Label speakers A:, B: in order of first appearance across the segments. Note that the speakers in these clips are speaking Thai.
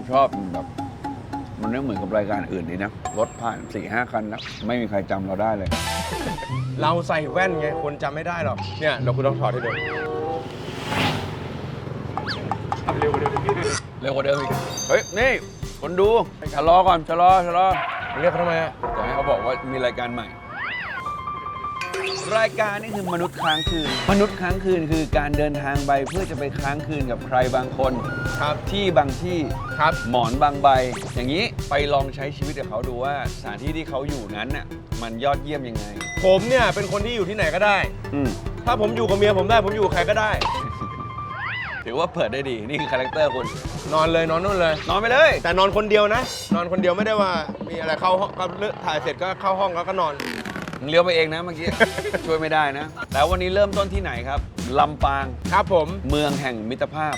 A: ชอบแบบมันไม่เหมือนกับรายการอื่นดีนะรถผ่าน 4-5 คันแล้วไม่มีใครจำเราได้เลย
B: เราใส่แว่นไงคนจำไม่ได้หรอกเนี่ยเดี๋ยวคุณต้องถอดให้ดูเร็ว
A: เร็วกว่าเดิมอีกเฮ้ยนี่คนดูชะลอก่อนชะลอ
B: เรียกเขาทำไมอะ
A: จะให้เขาบอกว่ามีรายการใหม่ รายการนี้คือมนุษย์ค้างคืนมนุษย์ค้างคืนคือการเดินทางไปเพื่อจะไปค้างคืนกับใครบางคน
B: ครับ
A: ที่บางที่
B: ครับ
A: หมอนบางใบ อย่างนี้ไปลองใช้ชีวิตกับเขาดูว่าสถานที่ที่เขาอยู่นั้นน่ะมันยอดเยี่ยมยังไง
B: ผมเนี่ยเป็นคนที่อยู่ที่ไหนก็ได้
A: อืม
B: ถ้าผมอยู่กับเมียผมได้ผมอยู่กับใครก็ได้
A: ถือว่าเปิดได้ดีนี่คือคาแรคเตอร์คุณ
B: นอนเลยนอนนู่นเลย
A: นอนไปเลย
B: แต่นอนคนเดียวนะ นอนคนเดียวไม่ได้ว่ามีอะไรเข้าห้องก็เลิกถ่ายเสร็จก็เข้าห้องแล้วก็นอน
A: มึงเลี้ยวไปเองนะเมื่อกี้ ช่วยไม่ได้นะ แล้ววันนี้เริ่มต้นที่ไหนครับลำปาง
B: ครับผม
A: เมืองแห่งมิตรภาพ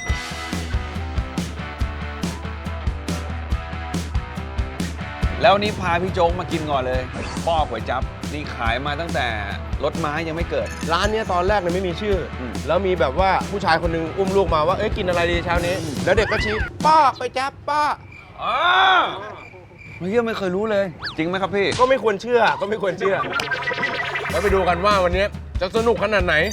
A: แล้ววันนี้พาพี่โจ๊กมากินก่อนเลยป้อก๋วยจั๊บนี่ขายมาตั้งแต่รถม้ายังไม่เกิด
B: ร้านเนี้ยตอนแรกเนี่ยไม่มีชื่ออ
A: ม
B: แล้วมีแบบว่าผู้ชายคนหนึงอุ้มลูกมาว่าเอ้ยกินอะไรดีเช้านี้ แล้วเด็กก็ชี้ป้าไปจับป้า
A: อ๋อเฮียไม่เคยรู้เลย จริงไหมครับพี่
B: ก็ไม่ควรเชื่อก็ไม่ควรเชื่อ แล้วไปดูกันว่าวันนี้จะสนุกขนาดไหน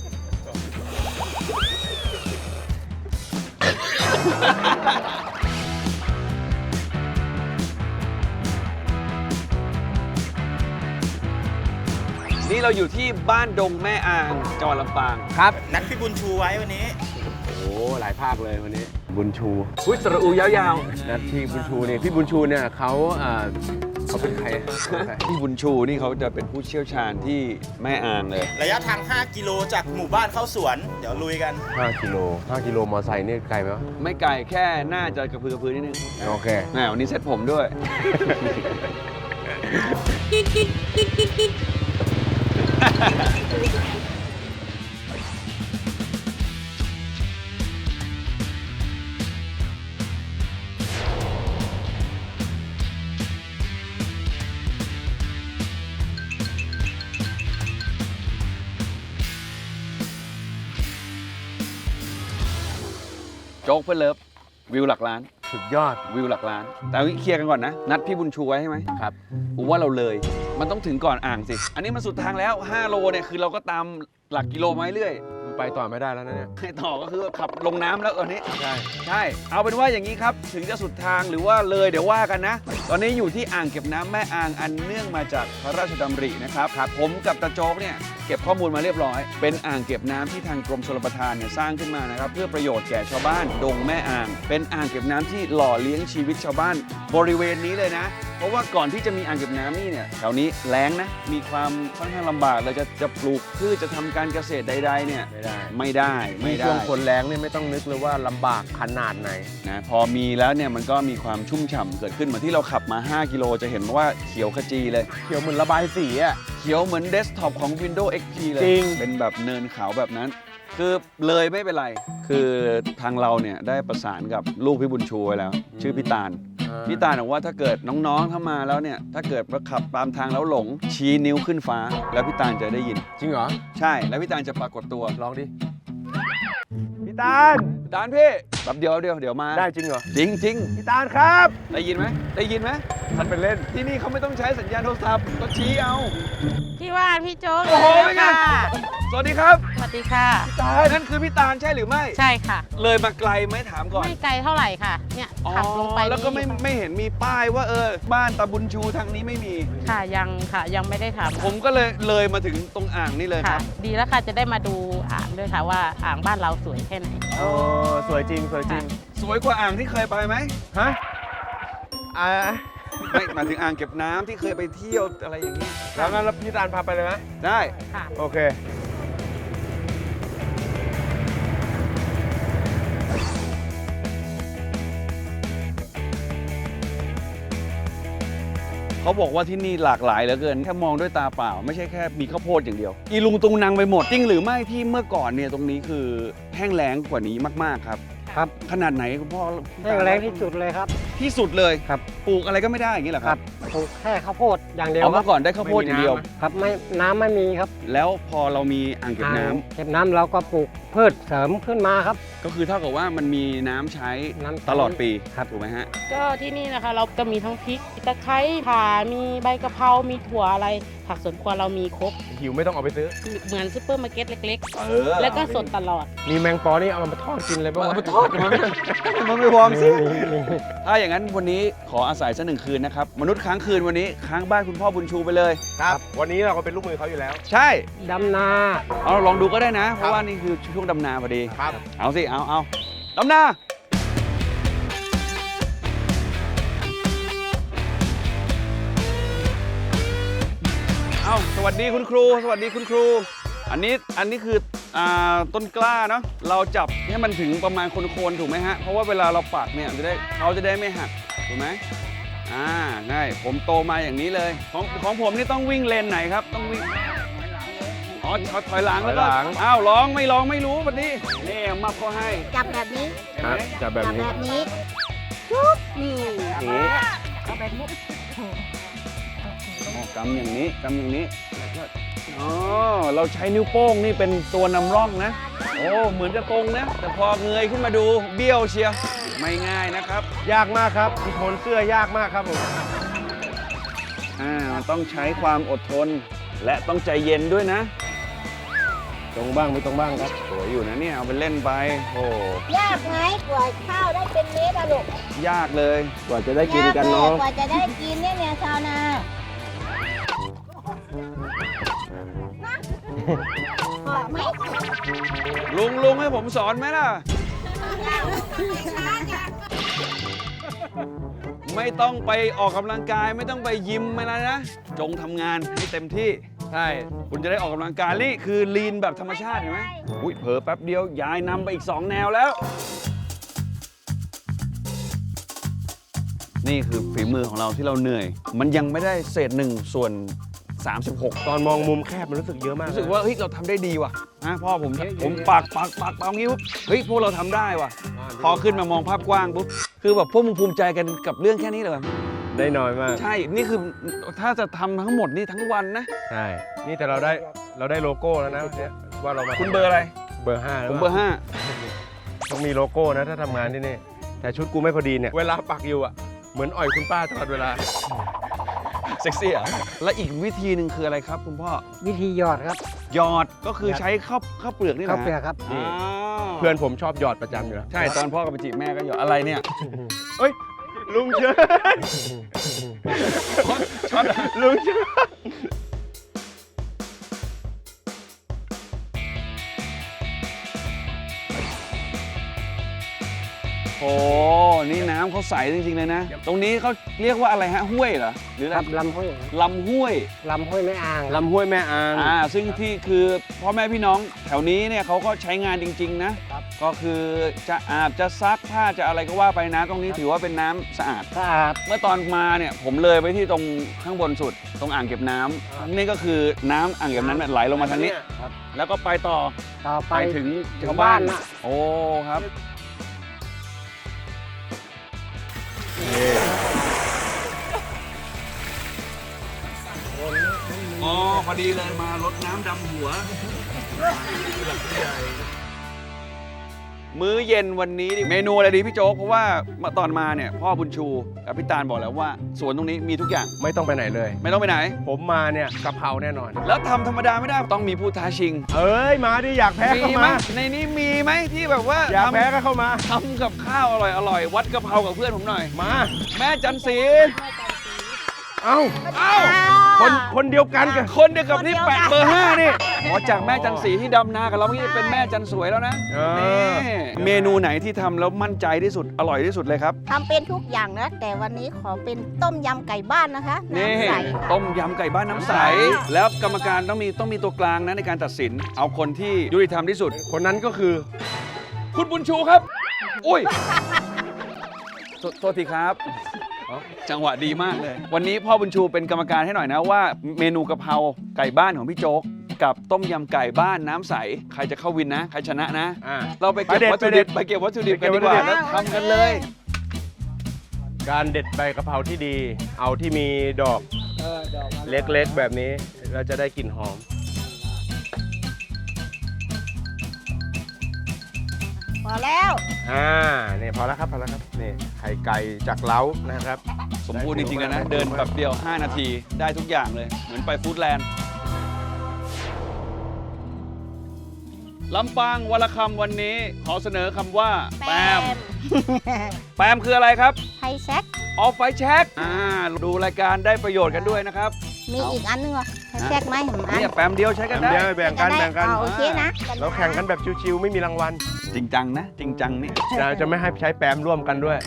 A: นี่เราอยู่ที่บ้านดงแม่อางจังหวัดลำปาง
B: ครับ
C: นัดพี่บุญชูไว้วันนี้
B: โอ้หลายภาคเลยวันนี้ บุญชู
A: อุ้ยสระอูยาว
B: นะที่บุญชูนี่พี่บุญชูเนี่ยเขาเป็นใคร
A: ๆพี่บุญชูนี่เขาจะเป็นผู้เชี่ยวชาญที่แม่อางเลย
C: ระยะทาง 5 กิโลจากหมู่บ้านเข้าสวน เดี๋ยวลุยกัน
B: 5 กิโล 5 กิโลมอไซค์นี่ไกลไหมวะ
A: ไม่ไกลแค่น่าจะกระพือกระพือนิดนึง
B: โอเค
A: แหมวันนี้เซ็ตผมด้วย โจ๊กเพื่อนเลิฟวิวหลักล้าน
B: สุดยอด
A: วิวหลักล้าน แต่เคลียร์กันก่อนนะ นัดพี่บุญชูไว้ใช่ไหม
B: ครับ
A: ผมว่าเราเลย มันต้องถึงก่อนอ่างสิ อันนี้มันสุดทางแล้ว 5 โลเนี่ยคือเราก็ตามหลักกิโลมาเรื่อย
B: ไปต่อไม่ได้แล้วนะเนี่ย
A: ให้ต่อก็คือขับลงน้ำแล้วตอนนี้
B: ใช่
A: ใช่ เอาเป็นว่าอย่างนี้ครับ ถึงจะสุดทางหรือว่าเลยเดี๋ยวว่ากันนะ ตอนนี้อยู่ที่อ่างเก็บน้ำแม่อางอันเนื่องมาจากพระราชดำรินะครับผมกับตาโจ๊กเนี่ยเก็บข้อมูลมาเรียบร้อย เป็นอ่างเก็บน้ำที่ทางกรมชลประทานเนี่ยสร้างขึ้นมานะครับเพื่อประโยชน์แก่ชาวบ้านดงแม่อาง เป็นอ่างเก็บน้ำที่หล่อเลี้ยงชีวิตชาวบ้าน บริเวณนี้เลยนะ เพราะว่าก่อนที่จะมีอ่างเก็บน้ำนี่เนี่ยแถวนี้แล้งนะ มีความค่อนข้างลำบากเราจะปลูกพืชจะทำการเกษตรใดๆเนี่ย
B: ไม่ได้
A: ไม่ได้
B: ช่วงฝนแรงเนี่ยไม่ต้องนึกเลยว่าลำบากขนาดไหน
A: นะพอมีแล้วเนี่ยมันก็มีความชุ่มฉ่ำเกิดขึ้นเหมือนที่เราขับมา 5 กิโลจะเห็นว่าเขียวขจีเลย
B: เขียวเหมือนระบายสีอ่ะ
A: เขียวเหมือนเดสก์ท็อปของ Windows XP เลย
B: จริง
A: เป็นแบบเนินเขาแบบนั้น คือเลยไม่เป็นไร คือทางเราเนี่ยได้ประสานกับลูกพี่บุญชูไว้แล้ว ชื่อพี่ตาล พี่ตาลบอกว่าถ้าเกิดน้องๆเข้ามาแล้วเนี่ยถ้าเกิดว่าขับตามทางแล้วหลงชี้นิ้วขึ้นฟ้า แล้วพี่ตาลจะได้ยิน
B: จริงเหรอ
A: ใช่ แล้วพี่ตาลจะปรากฏตัว
B: ลองดิ พี่ตาล
A: พี่ตาลพี่แป๊บเดียวเดี๋ยวมา
B: ได้จริงเหรอ
A: จริง
B: พี่ตาลครับ
A: ๆได้ยินไหมได้ยินไหม
B: ท่านเป็นเล่น
A: ที่นี่เขาไม่ต้องใช้สัญญาณโทรศัพท์ก็ชี้เอา
D: พี่ว่านพี่โจ๊ก
A: โอ้โห
D: เลย
A: เป็นไง
D: ค่ะ
A: สวัสดีครับ
D: สวัสดีค่ะ
A: ตาลนั่นคือพี่ตาลใช่หรือไม่
D: ใช่ค่ะ
A: เลยมาไกลไหมถามก่อน
D: ไม่ไกลเท่าไหร่ค่ะ เนี่ยขับลงไป
A: แล้วก็ไม่เห็นมีป้ายว่าบ้านตาบุญชูทางนี้ไม่มี
D: ค่ะยังไม่ได้ทำ
A: ผมก็เลยมาถึงตรงอ่างนี่เลยค
D: ค่ะ
A: รับ
D: ดีแล้วค่ะจะได้มาดูอ่างด้วยค่ะว่าอ่างบ้านเราสวยแค่ไหน
B: โอ้สวยจริง สวยจริง
A: สวยกว่าอ่างที่เคยไปไหม
B: ฮะ
A: ไม่หมายถึงอ่างเก็บน้ำที่เคยไปเที่ยวอะไรอย่างนี้
B: แล้วงั้นพี่ตาลพาไปเลยไหม
A: ได้
D: ค่ะ
B: โอเค
A: เขาบอกว่าที่นี่หลากหลายเหลือเกินแค่มองด้วยตาเปล่า ไม่ใช่แค่มีข้าวโพดอย่างเดียว อีลุงตุงนางไปหมดจริงหรือไม่ที่เมื่อก่อนเนี่ยตรงนี้คือแห้งแล้งกว่านี้มากๆครับ
E: ครับ
A: ขนาดไหนคุณพ่อ
E: แห้งแรงที่สุดเลยครับ
A: ที่สุดเลย
E: ครับ
A: ปลูกอะไรก็ไม่ได้อย่างนี้เหรอ
E: ค
A: ค
E: รั
A: รั
E: บบ ปลูกแค่ข้าวโพดอย่างเดียว
A: เอา
E: ครั
A: เมื่อก่อนได้ข้าวโพดอย่างเดียว
E: ครับไม่น้ำไม่มีครับ
A: แล้วพอเรามีอ่างเก็บน้ำ
E: เก็บน้ำเราก็ปลูกพืชเสริมขึ้นมาครับ
A: ก็คือเท่ากับว่ามันมีน้ำใช้
E: น้ำใช้
A: ตลอดปี
E: ครับ
A: ถูกไหมฮะ
D: ก็ที่นี่นะคะเราจะมีทั้งพริกตะไคร้ข่ามีใบกะเพรามีถั่วอะไรผักสวนครัวเรามีครบ
B: หิวไม่ต้องเอาไปซื้อ
D: เหมือนซุปเปอร์มาร์เก็ตเล็ก
A: เออ
D: ๆ แล้วก็สดตลอด
B: มีแมงปอนี่เอามาทอดกินเลยป่ะวะ
A: เอาไปทอดมันไม่วอร์มสิ
E: มี
A: ถ้าอย่างนั้นวันนี้ขออาศัยสักหนึ่งคืนนะครับ มนุษย์ค้างคืนวันนี้ค้างบ้านคุณพ่อบุญชูไปเลย
B: ครับ วันนี้เราก็เป็นลูกมือเขาอยู่แล้ว
A: ใช่
E: ดำนา
A: เอาลองดูก็ได้นะ เพราะว่านี่คือช่วงดำนาพอดี
B: ครับ
A: เอาสิ เอาดำนาเอาสวัสดีคุณครู สวัสดีคุณครู อันนี้คือต้นกล้าเนาะ เราจับให้มันถึงประมาณโคนๆถูกไหมฮะ เพราะว่าเวลาเราปักเนี่ยเขาจะได้ไม่หัก ถูกไหมง่ายผมโตมาอย่างนี้เลย ของผมนี่ต้องวิ่งเลนไหนครับ ต้องวิ่ง อ๋อถอยหลังแล้วก็
B: ถอยหลัง
A: อ้าวร้องไม่รู้วันนี้นี่มับเขาให้
F: จับแบบนี้
B: ครับจะแบบ
F: จับ
B: นี้
F: แบบนี้ชุบนี่
A: นี่
F: เอาแบบนี้
A: อ๋อกำอย่างนี้แล้วก็อ๋อเราใช้นิ้วโป้งนี่เป็นตัวนำร่องนะ โอ้เหมือนจะตรงนะ แต่พอเงยขึ้นมาดูเบี้ยวเชียร์ไม่ง่ายนะครับ
B: ยากมากครับที่โทนเสื้อยากมากครับผม
A: มันต้องใช้ความอดทน และต้องใจเย็นด้วยนะ
B: ตรงบ้างไม่ตรงบ้างครับ
A: สวยอยู่นะเนี่ยเอาไปเล่นไปโอ้
F: ยากไหมกว่าข้าวได้เป็นเม็ดอะลูก
A: ยากเลย
B: กว่าจะได้กินกันเนาะ
F: ยกกว่าจะได้กินเนี่ยชาวนาเหมาะไหม
A: ลุงให้ผมสอนไหมล่ะ ไม่ต้องไปออกกำลังกายไม่ต้องไปยิมอะไรนะ จงทำงานให้เต็มที่ใช่คุณจะได้ออกกำลังกายนี่คือลีนแบบธรรมชาติเห็นไหมอุ้ยเผลอแป๊บเดียวยายนำไปอีก 2 แนวแล้ว นี่คือฝีมือของเราที่เราเหนื่อย มันยังไม่ได้เศษ1 ส่วน 36
B: ตอนมองมุมแคบมันรู้สึกเยอะมาก
A: รู้สึกว่าเฮ้ยเราทำได้ดีว่ะนะพ่อผมปักงี้ปุ๊บเฮ้ยพวกเราทำได้ว่ะ พอขึ้นมามองภาพกว้างปุ๊บคือแบบพวกมึงภูมิใจกันกับเรื่องแค่นี้เลย
B: ได้น้อยมาก
A: ใช่ นี่คือถ้าจะทำทั้งหมดนี่ทั้งวันนะ
B: ใช่ นี่แต่เราได้โลโก้แล้วนะเนี่ยว่าเรามา
A: คุณเบอร์อะไร
B: เบอร์5
A: ผมเบอร์
B: ต้องมีโลโก้นะถ้าทำงานที่นี่ แต่ชุดกูไม่พอดีเนี่ย เวลาปักอยู่อ่ะ เหมือนอ่อยคุณป้าตลอดเวลา
A: 5 เซ็กซี่อ่ะและอีกวิธีหนึ่งคืออะไรครับคุณพ่อ
E: วิธีหยอดครับ
A: หยอดก็คือใช้ข้าวเปลือกนี่นะ
E: ข้าวเปลือกครับ
A: อ๋อ
B: เพื่อนผมชอบหยอดประจำอยู่แล้ว
A: ใช่ตอนพ่อกับไปจีบแม่ก็หยอดอะไรเนี่ย
B: เอ้ย ลุงเชิญ
A: ช็อต
B: ลุงเชิญ
A: โอ้นี่น้ำเขาใสจริงๆเลยนะ ตรงนี้เขาเรียกว่าอะไรฮะห้วยเหรอหรือ
E: ครับลำห้วย
A: ลำห้วย
E: ลำห้วยแม่อ่าง
B: ลำห้วยแม่อาง
A: ซึ่งที่คือพ่อแม่พี่น้องแถวนี้เนี่ยเขาก็ใช้งานจริง ๆ นะ ก็คือจะอาบจะซักผ้าจะอะไรก็ว่าไปนะตรงนี้ถือว่าเป็นน้ำสะอาด
E: สะอาด
A: เมื่อตอนมาเนี่ยผมเลยไปที่ตรงข้างบนสุดตรงอ่างเก็บน้ำนี่ก็คือน้ำอ่างเก็บน้ำเนี่ยไหลลงมาทางนี้
E: ครับ
A: แล้วก็ไปต่อ
E: ต่อไป
A: ไปถึงชาวบ้าน
E: นะ
A: โอ้ครับอ๋อพอดีเลยมารดน้ำดำหัว มื้อเย็นวันนี้เมนูอะไรดีพี่โจ๊กเพราะว่าตอนมาเนี่ยพ่อบุญชูกับพี่ตาลบอกแล้วว่าสวนตรงนี้มีทุกอย่าง
B: ไม่ต้องไปไหนเลย
A: ไม่ต้องไปไหน
B: ผมมาเนี่ยกะเพราแน่นอน
A: แล้วทำธรรมดาไม่ได้ต้องมีผู้ท้าชิง
B: เอ้ย มาดิอยากแพ้
A: มี
B: เข้า
A: ไหม
B: มา
A: ในนี้มีไหมที่แบบว่า
B: อยากแพ้ก็เข้ามา
A: ทำกับข้าวอร่อยวัดกะเพรากับเพื่อนผมหน่อย
B: มา
A: แม่จันศรี
B: เอ้า
A: เอ้า
B: คนเดียวกันกัน
A: คนเดียวกับนี่แปะเบอร์ 5 นี่อ๋อจากแม่จันศรีที่ดำนากับเราเมื่อกี้เป็นแม่จันสวยแล้วนะ
B: เออ
A: นี่เมนูไหนที่ทำแล้วมั่นใจที่สุดอร่อยที่สุดเลยครับ
F: ทำเป็นทุกอย่างนะ แต่วันนี้ขอเป็นต้มยำไก่บ้านนะคะ
A: นี่
F: น้ำใส
A: ต้มยำไก่บ้านน้ำใส แล้วกรรมการต้องมีตัวกลางนะในการตัดสิน เอาคนที่ยุติธรรมที่สุด
B: คนนั้นก็คือ
A: คุณบุญชูครับ อุ้ยโทษทีครับ จังหวะดีมากเลย วันนี้พ่อบุญชูเป็นกรรมการให้หน่อยนะว่าเมนูกะเพราไก่บ้านของพี่โจ๊กกับต้มยำไก่บ้านน้ำใสใครจะเข้าวินนะใครชนะนะ
B: ๆ
A: เราไปเก็บวัตถุดิบไปเก็บวัตถุดิบกันดีกว่าแล้วทำกันเลย
B: การเด็ดใบกะเพราที่ดี เอาที่มีดอกเล็กๆแบบนี้เราจะได้กลิ่นหอม
F: พอแล้ว
B: นี่พอแล้วครับนี่ไข่ไก่จากเล้านะครับ
A: สมบูรณ์จริงๆเลยนะเดินแบบเดียว5 นาทีได้ทุกอย่างเลยเหมือนไปฟู้ดแลนด์ลำปางวรรณคำวันนี้ขอเสนอคำว่าแปมแปมคืออะไรครับ
F: ไฮแช็ก
A: ออฟไฟแช็กดูรายการได้ประโยชน์กันด้วยนะครับ
F: มีอีกอันนึงเหรอไฮแช็กไหมเห็นไหม
A: เนี่ยแปมเดียวใช้กัน
B: แบ่
A: ได้
B: งกัน
F: โอเคนะ
B: เราแข่งกันแบบชิวๆไม่มีรางวัล
A: จริงจังนะจริงจังนี่
B: จะไม่ให้ใช้แปมร่วมกันด้วย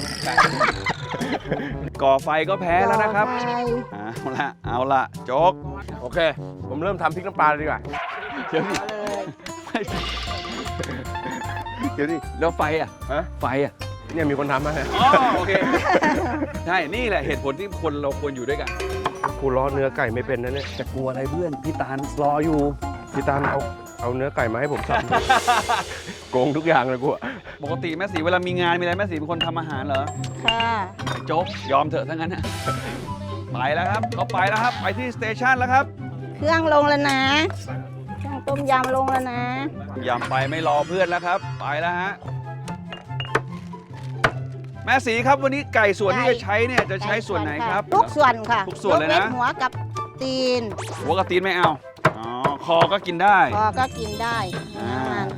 A: ก่อไฟก็แพ้แล้วนะครับ
F: ต่อไป
A: เอาละโจ๊ก
B: โอเค ผมเริ่มทำพริกน้ำปลาเลยดีกว่า
A: เดี๋ยวดิเดี๋ยวดิแล้วไฟอ่ะ
B: ฮะ
A: ไฟอ่ะ
B: เนี่ยมีคนทำมา
A: อ๋อโอเคใช่นี่แหละเหตุผลที่คนเราควรอยู่ด้วยกัน
B: กูล้อเนื้อไก่ไม่เป็นนะเนี่ย
A: จะกลัวอะไรเพื่อนพี่ตาลรออยู่
B: พี่ตาลเอาเนื้อไก่มาให้ผมสับ โกงทุกอย่างเลยกูอะ
A: ปกติแม่สีเวลามีงานมีอะไรแม่สีเป็นคนทำอาหารเหรอ
F: ค่ะ
A: ไอ้โจ๊กยอมเถอะทั้งนั้นนะไปแล้วครับเขาไปแล้วครับไปที่สเตชันแล้วครับ
F: เครื่องลงแล้วนะเครื่องต้มยำลงแล้วนะ
A: ยำไปไม่รอเพื่อนแล้วครับไปแล้วฮะแม่สีครับวันนี้ไก่ส่วนที่จะใช้เนี่ยจะใช้ส่วนไหนครับ
F: ทุกส่วนค่ะ
A: ทุกส่วนเลยนะ
F: กหัวกับตีน
A: หัวกับตีนไม่เอาอ๋อคอก็กินได้
F: พอก็กินได้น้ำมัน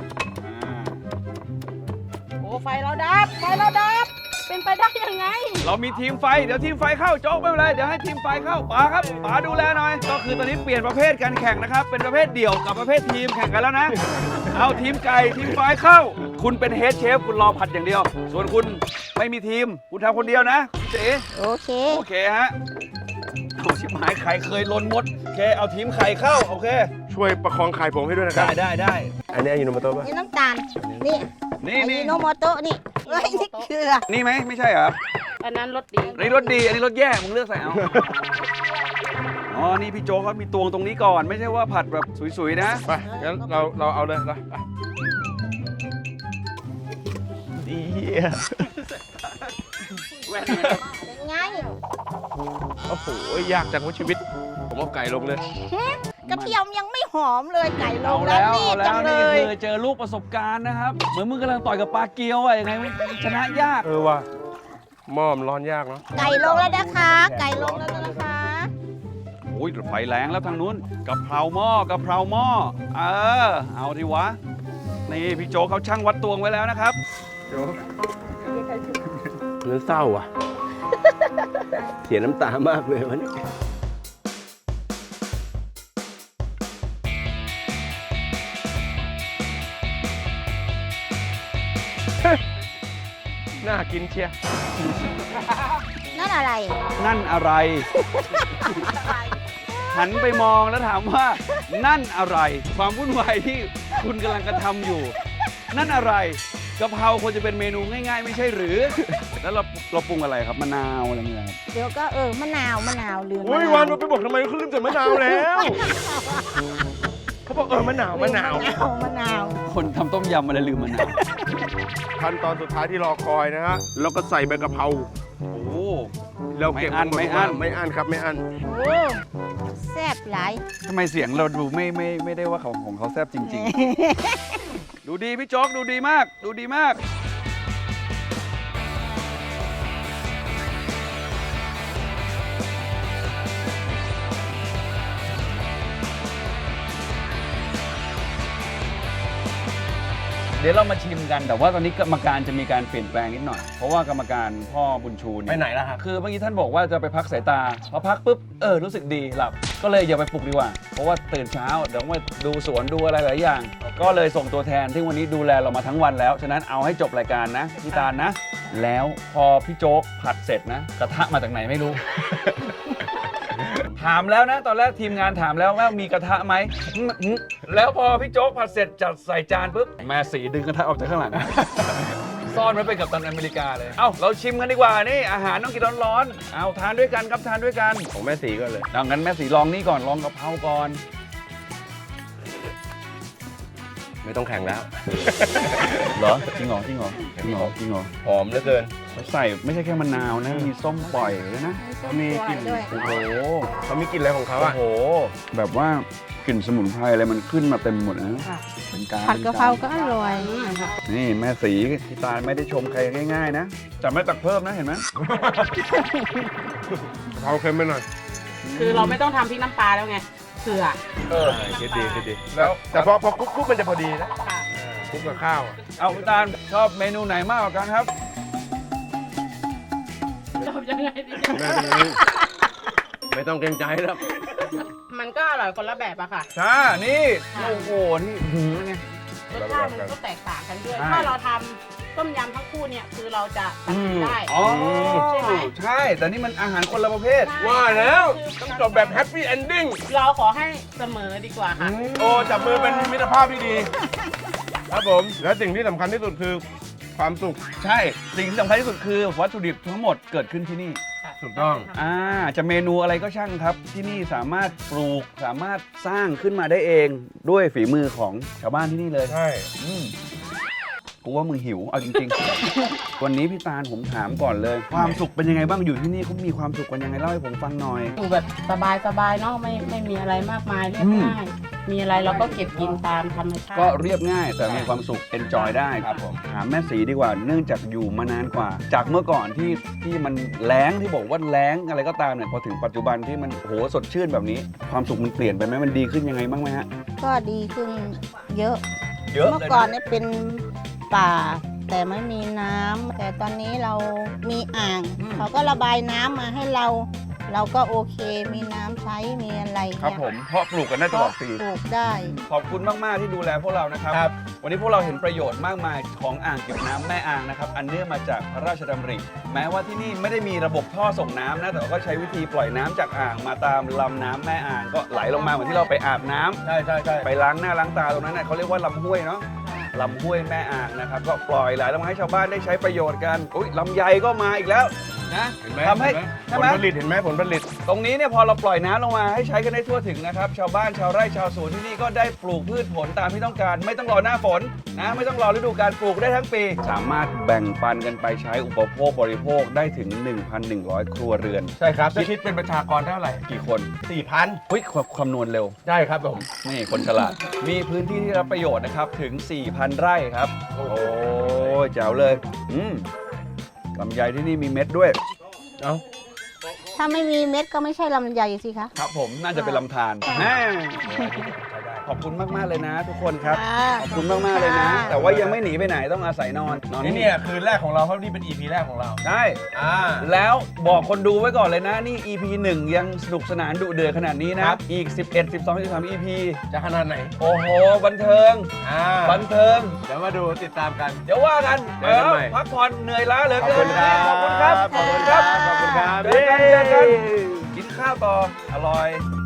D: โอ้ไฟเราดับเป็นไปได้ยังไง
A: เรามีทีมไฟเดี๋ยวทีมไฟเข้าโจ๊กไม่เป็นไรเดี๋ยวให้ทีมไฟเข้าป๋าครับป๋าดูแลหน่อยก็คือตอนนี้เปลี่ยนประเภทการแข่งนะครับเป็นประเภทเดี่ยวกับประเภททีมแข่งกันแล้วนะเอาทีมไก่ทีมไฟเข้า คุณเป็นเฮดเชฟคุณรอผัดอย่างเดียว ส่วนคุณไม่มีทีมคุณทำคนเดียวนะคุณเจ๊
F: โอเค
A: โอเคฮะเอาชิบหายไข่เคยลนมดโอเคเอาทีมไข่เข้าโอเค
B: ช่วยประคองไข่ผมให้ด้วยนะครับ
A: ได้
B: อันนี้อายุโนโมโตะป่ะ
F: นี่น้ำตาล นี่
A: นี่
F: อัน
A: นี่
F: นี้โนโมโตะนี่เอ้ยนี่เกลือ
A: นี่ไหมไม่ใช่เหรอครับ
D: อันนั้นรสดี
A: อันนี้รสดีอันนี้รสแย่มึงเลือกใส่เอาอ๋อนี่พี่โจ๊กเขามีตวงตรงนี้ก่อนไม่ใช่ว่าผัดแบบสวยๆนะ
B: ไปงั้นเราเอาเลยนะดี
F: เป็นไง
B: โอ้โหยากจังว่าชีวิต ผมเอาไก่ลงเลย
F: กระเทียมยังไม่หอมเลยไก่ล
A: เอา
F: ง
A: แล้ว
F: รี
A: เอา
F: บ
A: แล้
F: จั
A: ว
F: งเล
A: นี่
F: ย
A: คือเจอลูกประสบการณ์นะครับ เหมือนมึงกำลังต่อยกับปลาเกียวอะยังไงชนะยาก
B: ว่ะหม้อมนร้อนยากเนาะ
F: ไก่ลงแล้วนะคะ ไก่ลงแล้วนะคะ
A: โอ้ยไฟแรงแล้วทางนู้นกะเพราหม้อกะเพราหม้อเอาทีวะนี่พี่โจ๊กเขาช่างวัดตวงไว้แล้วนะครับ
B: เนื้อเศร้าอ่ะ เสียน้ำตามากเลยวันนี้น่ากินเชียร์
F: นั่นอะไร
A: นั่นอะไร หันไปมองแล้วถามว่า นั่นอะไร ความวุ่นวายที่คุณกำลังกระทำอยู่ นั่นอะไรกะเพราควรจะเป็นเมนูง่าย ๆ ไม่ใช่หรือ แล้วเราปรุงอะไรครับมะนาวอะไรเงี้ยครับ
F: เดี๋ยวก็มะนาวลืม
B: โอ้ยวันมันไปบอกทำไมเขาลืมใส่มะนาวแล้ว เขาบอกมะนาว
F: มะนาว
A: คนทำต้มยำอะไรลืมมะนาว
B: ขั้นตอนสุดท้ายที่รอคอยนะฮะแล้วก็ใส่ใบกะเพรา
A: โอ้โห
B: เราเก็บ
A: ไม่อั้น
B: ไม่อั้นครับไม่อั้น
F: โอ้แซ่บหลาย
A: ทำไมเสียงเราดูไม่ได้ว่าของเขาแซ่บจริง ๆ ดูดีพี่โจ๊กดูดีมาก ดูดีมาก เดี๋ยวเรามาชิมกันแต่ว่าตอนนี้กรรมการจะมีการเปลี่ยนแปลงนิดหน่อย เพราะว่ากรรมการพ่อบุญชู
B: ไปไหนล่ะครับ
A: คือเมื่อกี้ท่านบอกว่าจะไปพักสายตาพอพักปุ๊บรู้สึกดีหลับก็เลยอย่าไปปลุกดีกว่า เพราะว่าตื่นเช้าเดี๋ยวมาดูสวนดูอะไรหลายอย่าง ก็เลยส่งตัวแทนที่วันนี้ดูแลเรามาทั้งวันแล้วฉะนั้นเอาให้จบรายการนะพี่ตาลนะ แล้วพอพี่โจ๊กผัดเสร็จนะกระทะมาจากไหนไม่รู้ ถามแล้วนะตอนแรกทีมงานถามแล้วว่ามีกระทะไหมแล้วพอพี่โจ๊กผัดเสร็จจัดใส่จานปุ๊บแม่สีดึงกระทะออกจากข้างหลัง ซ่อนไว้เป็นกัปตันอเมริกาเลยเอ้าเราชิมกันดีกว่านี่อาหารต้องกินร้อนๆเอาทานด้วยกันครับทานด้วยกัน
B: ของแม่สีก็เลย
A: ดังนั้นแม่สีลองนี่ก่อนลองกะเพราก่อน
B: ไม่ต้องแข่งแล้ว
A: เหรอจริงเหรอจริงเหรอจริงเหรอจริงเหรอ
B: หอมเหลือเกิน
A: เขาใส่ไม่ใช่แค่มะนาวนะมีส้มปล่อยด้วยนะ
B: เขามีกลิ่น
F: ด้วย
A: โอ้โห
B: เขามีกลิ่นอะไรของเขา
A: โอ้
B: อ่ะ
A: โหแบบว่ากลิ่นสมุนไพรอะไรมันขึ้นมาเต็มหมดนะ
D: ค่ะ
A: เป็นการ
F: ผัดกะเพราก็อร่อย
A: นี่แม่สีที่ตาลไม่ได้ชมใครง่ายๆนะจะไม่ตักเพิ่มนะเห็นไหม
B: กะเพราเค็มไปหน่อย
D: คือเราไม่ต้องทำพริกน้ำปลาแล้วไงเกลือ
B: คิดดีคิดดีแล้วแต่พอคลุกมันจะพอดีนะ
D: ค่ะ
B: คลุกกับข้าวอะ
A: เอาคุณตาลชอบเมนูไหนมากกว่ากันครับ
D: เรายังไงดี
B: ไม่ต้องเกรงใจแล้ว
D: มันก็อร่อยคนละแบบอะค่ะ
A: จ้านี่โอ้โหนี่หืมไง
D: รสชาติมันก็แตกต่างกันด้วย
A: ใช่
D: ถ้าเราทำต้มยำทั้งคู่เนี่ยคือเราจะตัดสินได้
A: อ๋อ
D: ใช่ไหม
A: ใช่ แต่นี่มันอาหารคนละประเภท
B: ว่าแล้วต้องจบแบบแฮปปี้เอนดิ้ง
D: เราขอให้เสมอดีกว่าค่ะ
B: โอ้จับมือเป็นมิตรภาพที่ดี ครับผม และสิ่งที่สำคัญที่สุดคือความสุข
A: ใช่ สิ่งที่สำคัญที่สุดคือวัตถุดิบทั้งหมดเกิดขึ้นที่นี่
B: ถูกต้อง
A: จะเมนูอะไรก็ช่างครับ ที่นี่สามารถปลูกสามารถสร้างขึ้นมาได้เองด้วยฝีมือของชาวบ้านที่นี่เลย
B: ใช่
A: กูว่ามึงหิว เอาจริงๆ วันนี้พี่ตาลผมถามก่อนเลย ความสุขเป็นยังไงบ้างอยู่ที่นี่เขามีความสุขกันยังไงเล่าให้ผมฟังหน่อย
D: อยู่แบบสบายๆเนาะไม่มีอะไรมากมายเรียบง่ายมีอะไรเราก็เก็บกินตามธรรมชาติ
A: ก็เรียบง่ายแต่มีความสุข enjoy ได้
B: ครับผม
A: ถามแม่สีดีกว่า เนื่องจากอยู่มานานกว่า จากเมื่อก่อนที่มันแล้งที่บอกว่าแล้งอะไรก็ตามเนี่ยพอถึงปัจจุบันที่มันโหสดชื่นแบบนี้ ความสุขมันเปลี่ยนไปไหมมันดีขึ้นยังไงบ้างไหมฮะ
F: ก็ดีขึ้นเยอะ
A: เยอะ
F: เมื่อ
A: เลย
F: ก่อน
A: นะ
F: เนี่ยเป็นป่า แต่ไม่มีน้ำแต่ตอนนี้เรามีอ่าง เขาก็ระบายน้ำมาให้เรา เราก็โอเคมีน้ำใช้มีอะไร
A: ครับ
F: เนี่ย
A: ผมเพราะปลูกกันได้ตลอดปี
F: ปลูกได้
A: ขอบคุณมาก ๆ ที่ดูแลพวกเรานะครับ วันนี้พวกเราเห็นประโยชน์มากมายของอ่างเก็บน้ำแม่อ่างนะครับ อันเนื่องมาจากพระราชดำริ แม้ว่าที่นี่ไม่ได้มีระบบท่อส่งน้ำนะ แต่ว่าก็ใช้วิธีปล่อยน้ำจากอ่างมาตามลำน้ำแม่อ่าง ก็ไหลลงมาเหมือนที่เราไปอาบน้ำ
B: ใช่ใช่ใช่
A: ไปล้างหน้าล้างตาตรงนั้นเน่ยเขาเรียกว่าลำห้วยเนาะ ลำห้วยแม่อ่างนะครับ ก็ปล่อยไหลลงมาให้ชาวบ้านได้ใช้ประโยชน์กันอุ้ยลำไยก็มาอีกแล้วนะ
B: เห็นไหม
A: ทำให้
B: ผ
A: ใช่
B: ล
A: ไหม
B: ผลิตเห็นไหมผลผลิต
A: ตรงนี้เนี่ยพอเราปล่อยน้ำลงมาให้ใช้กันได้ทั่วถึงนะครับ ชาวบ้านชาวไร่ชาวสวนที่นี่ก็ได้ปลูกพืชผลตามที่ต้องการ ไม่ต้องรอหน้าฝนนะไม่ต้องรอฤดูการปลูกได้ทั้งปี สามารถแบ่งปันกันไปใช้อุปโภคบริโภคได้ถึง 1,100 ครัวเรือน
B: ใช่ครับคิดเป็นประชากรเท่าไหร่
A: กี่คน
B: 4,000
A: เฮ้ยคำนวณเร็ว
B: ใช่ครับผม
A: นี่คนฉลาด มีพื้นที่ที่รับประโยชน์นะครับถึง 4,000 ไร่ครับ โอ้ยแจ๋วเลยลำไยที่นี่มีเม็ดด้วย
B: เอ้า
F: ถ้าไม่มีเม็ดก็ไม่ใช่ลำไยสิคะ
A: ครับผมน่าจะเป็นลำธารแน่ขอบคุณมาก ๆ เลยนะ ทุกคนครับ
F: ค่ะ
A: ขอบคุณมาก ๆ เลยนะ แต่ว่ายังไม่หนีไปไหนต้องอาศัยนอน
B: นี่เนี่ยคืนแรกของเราเพราะนี่เป็น EP แรกของเรา
A: ได้
B: อ่า
A: แล้วบอกคนดูไว้ก่อนเลยนะ นี่ EP 1 ยังสนุกสนานดุเดือดขนาดนี้นะ
B: ครับ
A: อีก 11 12 13 EP
B: จะขนาดไหน
A: โอ้โห บันเทิง บันเทิง
B: เดี๋ยวมาดูติดตามกัน
A: เดี๋ยวว่ากัน
B: เจอกันใหม่
A: พักผ่อนเหนื่อยล้าเหลือ
B: ขอบ
A: เกิ
B: คุ
A: น
B: ณครับ
A: ขอบคุณครับ
B: ขอบคุณครับ ขอบคุณครับ
A: เจอกันกินข้าวต่อ อร่อย